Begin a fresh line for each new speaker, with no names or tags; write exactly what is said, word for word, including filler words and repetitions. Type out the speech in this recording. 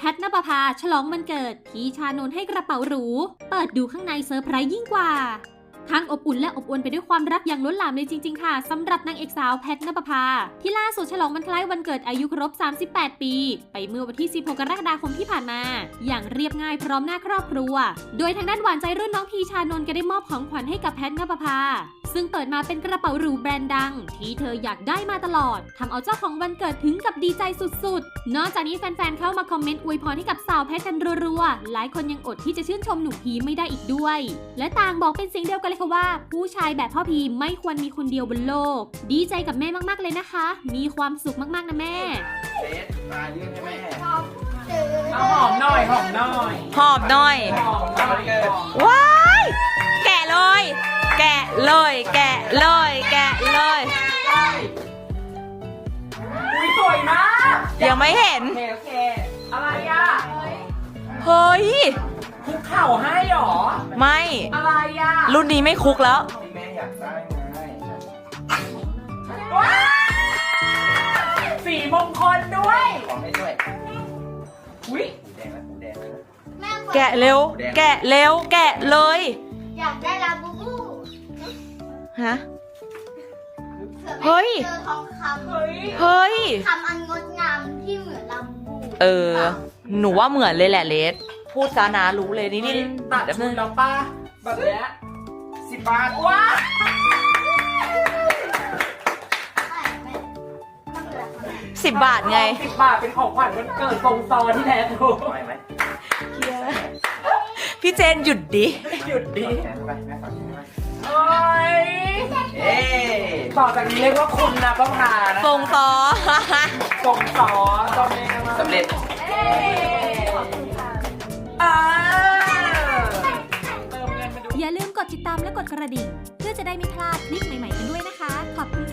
แพทณปภาฉลองวันเกิดพี่ชานนท์ให้กระเป๋าหรูเปิดดูข้างในเซอร์ไพรส์ยิ่งกว่าทั้งอบอุ่นและอบอวลไปด้วยความรักอย่างล้นหลามเลยจริงๆค่ะสำหรับนางเอกสาวแพทณปภาที่ล่าสุดฉลองวันคล้ายวันเกิดอายุครบสามสิบแปดปีไปเมื่อวันที่สิบหกกรกฎาคมที่ผ่านมาอย่างเรียบง่ายพร้อมหน้าครอบครัวโดยทางด้านหวานใจรุ่นน้องพีชานนท์ก็ได้มอบของขวัญให้กับแพทณปภาซึ่งเปิดมาเป็นกระเป๋าหรูแบรนด์ดังที่เธออยากได้มาตลอดทำเอาเจ้าของวันเกิดถึงกับดีใจสุดๆนอกจากนี้แฟนๆเข้ามาคอมเมนต์อวยพรให้กับสาวแพทกันรัวๆหลายคนยังอดที่จะชื่นชมหนุ่มพีไม่ได้อีกด้วยและต่างบอกเป็นเสียงเดียวกันเลยค่ะว่าผู้ชายแบบพ่อพีไม่ควรมีคนเดียวบนโลกดีใจกับแม่มากๆเลยนะคะมีความสุขมากๆนะแม่
เบสมายื่นให้แม่
เอาหอมหน่อยหอมหน่อย
หอบหน่อย
หอมหน่อย
ว้าย แกะเลย แกะเลย แกะเลย แกะเลย
อุ้ยสวยมาก
ยังไม่เห็น
โอเคโอเคอะไรอ่ะ
เฮ้ย
คุกเข่าให้หรอ
ไม่
อะไรอ่ะ
รุ่นนี้ไม่คุกแล้ว
ที่แม่อยากได้ไง
ว้าวสีมงคลด้วย
ของให้ด้วย
อุ้ย
แดงแล้วแดงแล้ว
แกะเร็ว แกะเร็ว แกะเลย
อยากได้ลาบูบู
ฮะ
เผื่อ
เฮ้ย
แม่เจอทองค
เฮ้ย
เฮ้ย
ำคำอันงดงามที่เหมือนลาบูบู
เออ หนูว่าเหมือนเลยแหละเลสพูดซานะรู้เลยนี่นี่
ตัดชุดแล้วป้าแบบเนี้ย
สิบบาท
ว้าว
สิบบาทไง
สิบบาทเป็นของขวัญวันเกิดทรงซอที่แท้ถูก
ไหวไหม
พี่เจนหยุดดิ
หยุดดิ
แขนไปแม่ฝากแขนไป
โอ้ย
เอ๊
ต่อจากนี้เรียกว่าคุณนะป้าพานะ
ทรงซอ
ทรงซอเจ้าแม่มา
สำเร็จ
อ่า
อย่าลืมกดติดตามและกดกระดิ่งเพื่อจะได้ไม่พลาดคลิปใหม่ๆกันด้วยนะคะขอบคุณ